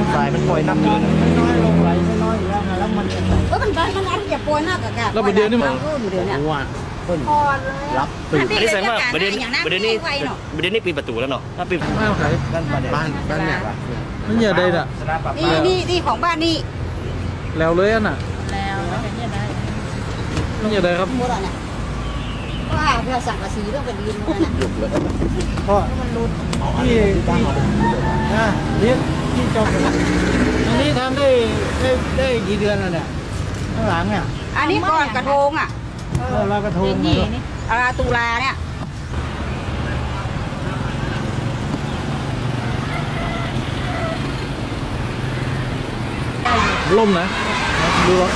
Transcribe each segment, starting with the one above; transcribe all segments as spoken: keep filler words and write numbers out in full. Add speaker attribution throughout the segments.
Speaker 1: สายมันปล่อยน้ำเกิน
Speaker 2: น้อยลงไหลไม่น้อยอยู่แล้วนะแล้วมันก็มันได้มันอันอย่าปล่อยหน้ากับกันแล้วประเดี๋ยวนี้มันเดี๋ยวนี้ว่าคนรับตื่น
Speaker 1: อันนี้แสดงว่าประเด็นประเด็นนี้ประเด็นนี้ปีประตูแล้วเนาะถ้าปี
Speaker 2: บ้านใครบ้านบ้านเนี่ยมันอย่าได้ละ
Speaker 3: นี่นี่นี่ของบ้านนี่
Speaker 2: แล้วเลยอ่ะน่ะแล้วมันอย่าได้ครับ
Speaker 3: ว่าเพื่อสั่งกระสีเรื่องเป็นดินมันนะ
Speaker 2: เพราะมันรุดที่ที่นะนี่ที่จบอันนี้ทำได้ได้ได้กี่เดือนแล้วเนี่ยข้างหลังเนี่ย
Speaker 3: อันนี้ก่อนกระทงอ่ะ
Speaker 2: เรากระทงนี่
Speaker 3: อาตุลาเนี่ย
Speaker 2: ล่มนะดูรถ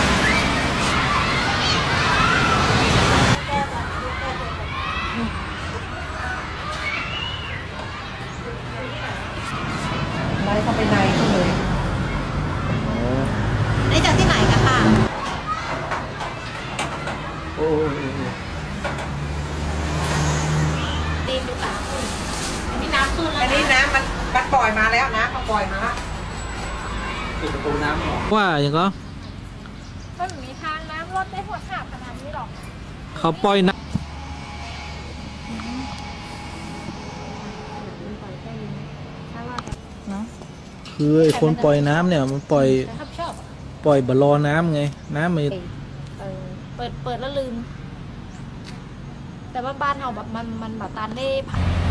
Speaker 3: ไล่เข้าไปในเลยได้จากที่ไหนกันค่ะ
Speaker 2: โอ้
Speaker 3: ดีดูป่ะอันนี้น้ำขึ้นแล้ว
Speaker 4: อันนี้น้ำมันมันปล่อยมาแล้วนะมันปล่อยมาแล้ว
Speaker 2: ปิดประตูน้ำว่าอย่างก็
Speaker 5: ก็มีทางน้ำรถได้หัวขาดขนาดนี้หรอก
Speaker 2: เขาปล่อยน้ำคือไอ้คนปล่อยน้ำเนี่ยมันปล่อยปล่อยบอลลอน้ำไงน้ำมัน
Speaker 5: เปิดเปิดแล้วลืมแต่ว่าบ้านเราแบบมันมันแบบตานได้